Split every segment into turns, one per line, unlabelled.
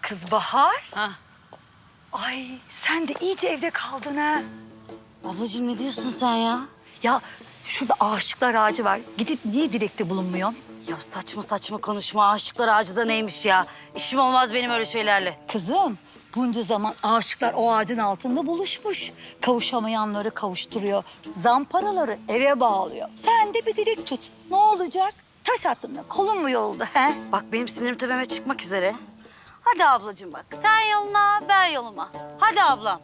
Kız Bahar.
Ha.
Ay sen de iyice evde kaldın ha.
Ablacığım ne diyorsun sen ya?
Ya şurada aşıklar ağacı var. Gidip niye dilekte bulunmuyorsun?
Ya saçma saçma konuşma. Aşıklar ağacı da neymiş ya? İşim olmaz benim öyle şeylerle.
Kızım bunca zaman aşıklar o ağacın altında buluşmuş. Kavuşamayanları kavuşturuyor. Zamparaları eve bağlıyor. Sen de bir dilek tut. Ne olacak? Taş attın da kolun mu yolda he?
Bak benim sinirim tepeme çıkmak üzere. Hadi ablacığım bak. Sen yoluna, ben yoluma. Hadi ablam.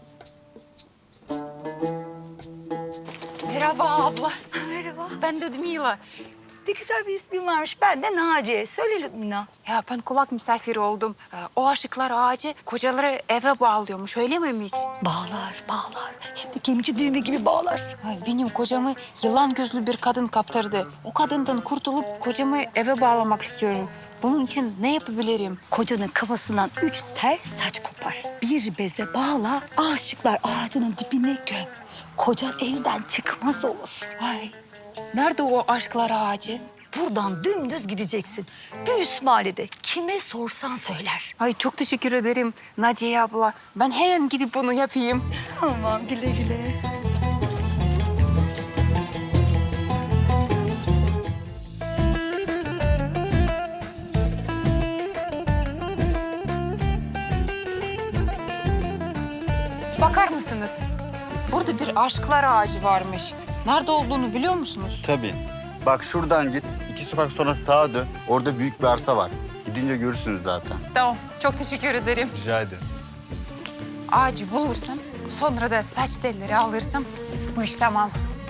Merhaba abla.
Merhaba.
Ben Ludmila.
Ne güzel bir ismin varmış. Ben de Naciye. Söyle Lübmina.
Ya ben kulak misafiri oldum. O aşıklar ağacı kocaları eve bağlıyormuş. Öyle miymiş?
Bağlar, bağlar. Hem de gemici düğümü gibi bağlar.
Ay, benim kocamı yılan gözlü bir kadın kaptırdı. O kadından kurtulup kocamı eve bağlamak istiyorum. Bunun için ne yapabilirim?
Kocanın kafasından 3 tel saç kopar. Bir beze bağla, aşıklar ağacının dibine göm. Kocan evden çıkmaz olur.
Ay, nerede o aşklar ağacı?
Buradan dümdüz gideceksin. Bir üst mahallede kime sorsan söyler.
Ay çok teşekkür ederim Naciye abla. Ben hemen gidip bunu yapayım.
Tamam, güle güle.
Bakar mısınız? Burada bir aşklar ağacı varmış. Nerede olduğunu biliyor musunuz?
Tabii. Bak şuradan git. 2 sokak sonra sağa dön. Orada büyük bir arsa var. Gidince görürsünüz zaten.
Tamam, çok teşekkür ederim.
Rica ederim.
Ağacı bulursam, sonra da saç telleri alırsam bu iş tamam.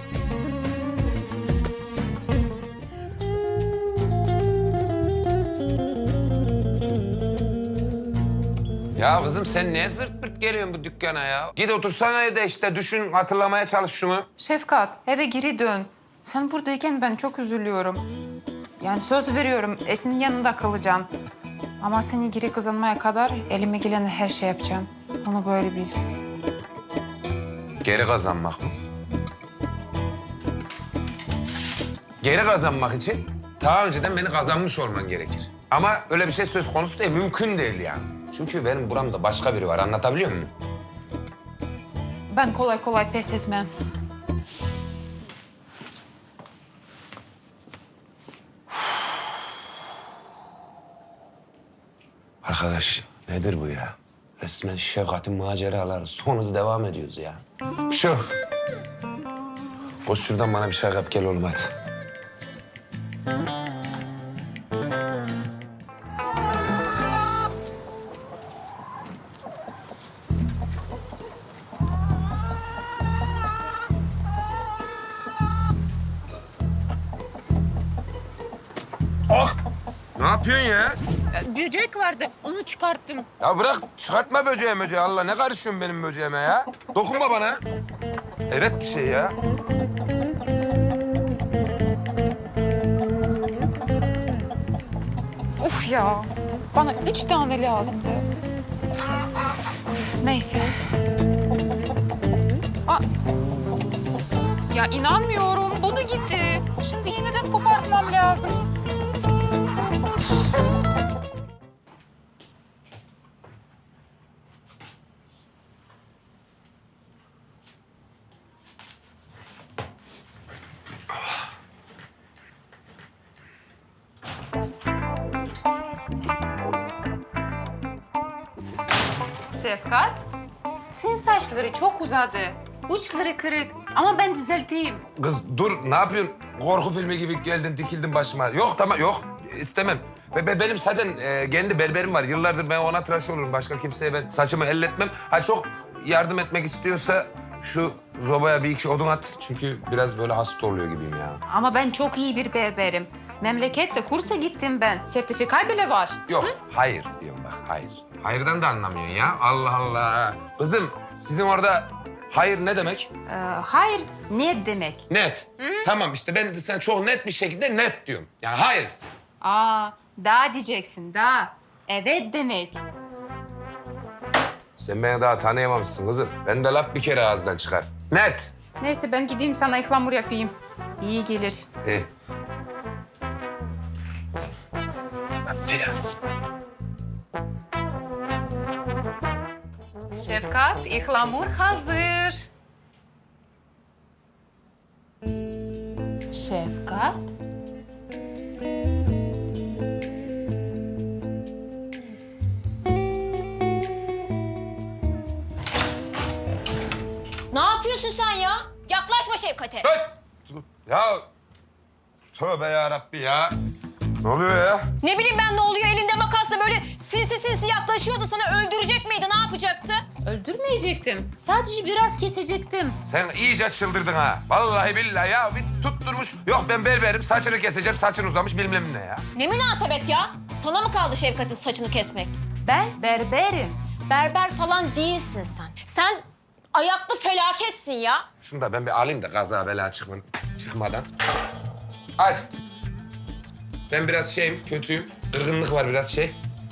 Ya kızım sen niye zırt pırt geliyorsun bu dükkana ya? Git otursana evde işte düşün, hatırlamaya çalış şunu.
Şefkat, eve geri dön. Sen buradayken ben çok üzülüyorum. Yani söz veriyorum, Esin'in yanında kalacağım. Ama seni geri kazanmaya kadar elime gelen her şey yapacağım. Onu böyle bil.
Geri kazanmak mı? Geri kazanmak için daha önceden beni kazanmış olman gerekir. Ama öyle bir şey söz konusu değil, mümkün değil yani. Çünkü benim buramda başka biri var, anlatabiliyor muyum?
Ben kolay kolay pes etmem.
Arkadaş nedir bu ya? Resmen Şefkat'in maceraları. Son hız devam ediyoruz ya. Şu. Koş şuradan bana bir şey yap gel oğlum hadi. Ah! Ne yapıyorsun ya?
Böcek vardı, onu çıkarttım.
Ya bırak çıkartma böceği möceği Allah ne karışıyorsun benim böceğime ya? Dokunma bana. Evet bir şey ya.
Uf ya, bana 3 tane lazımdı. Üf, neyse. Aa, ya inanmıyorum, bu da gitti. Şimdi yeniden kopartmam lazım. Şefkat, senin saçları çok uzadı. Uçları kırık ama ben düzelteyim.
Kız dur ne yapıyorsun? Korku filmi gibi geldin dikildin başıma. Yok tamam yok istemem. Benim zaten kendi berberim var. Yıllardır ben ona tıraş olurum. Başka kimseye ben saçımı elletmem. Ha çok yardım etmek istiyorsa şu zobaya bir iki odun at. Çünkü biraz böyle hasta oluyor gibiyim ya.
Ama ben çok iyi bir berberim. Memlekette kursa gittim ben. Sertifika bile var.
Yok hayır diyorum bak hayır. Hayırdan da anlamıyorsun ya. Allah Allah. Kızım sizin orada hayır ne demek?
Hayır, ne demek?
Net. Tamam işte ben de sen çok net bir şekilde net diyorum. Yani hayır.
Aa, da diyeceksin, da. Evet demek.
Sen beni daha tanıyamamışsın kızım. Ben de laf bir kere ağızdan çıkar. Net.
Neyse ben gideyim sana ıhlamur yapayım. İyi gelir.
İyi. Hadi ya.
Şefkat, ihlamur hazır. Şefkat.
Ne yapıyorsun sen ya? Yaklaşma Şevkat'e.
Hey! Ya tövbe ya Rabbi ya. Ne oluyor ya?
Ne bileyim ben ne oluyor elinde makasla böyle sinsi yaklaşıyordu sana öldürecek miydi ne yapacaktı?
Öldürmeyecektim. Sadece biraz kesecektim.
Sen iyice çıldırdın ha. Vallahi billahi ya bir tutturmuş. Yok ben berberim saçını keseceğim saçın uzamış bilmem ne ya.
Ne münasebet ya? Sana mı kaldı Şevkat'in saçını kesmek?
Ben berberim.
Berber falan değilsin sen. Sen ayaklı felaketsin ya.
Şunu da ben bir alayım da kaza bela çıkmadan. Hadi. Ben biraz şeyim, kötüyüm. Kırgınlık var biraz şey.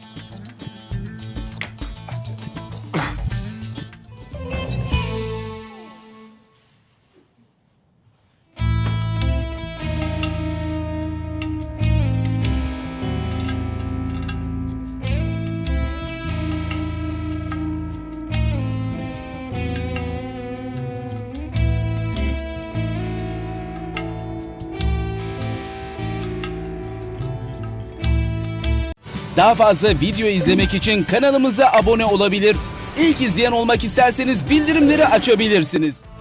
Daha fazla video izlemek için kanalımıza abone olabilir. İlk izleyen olmak isterseniz bildirimleri açabilirsiniz.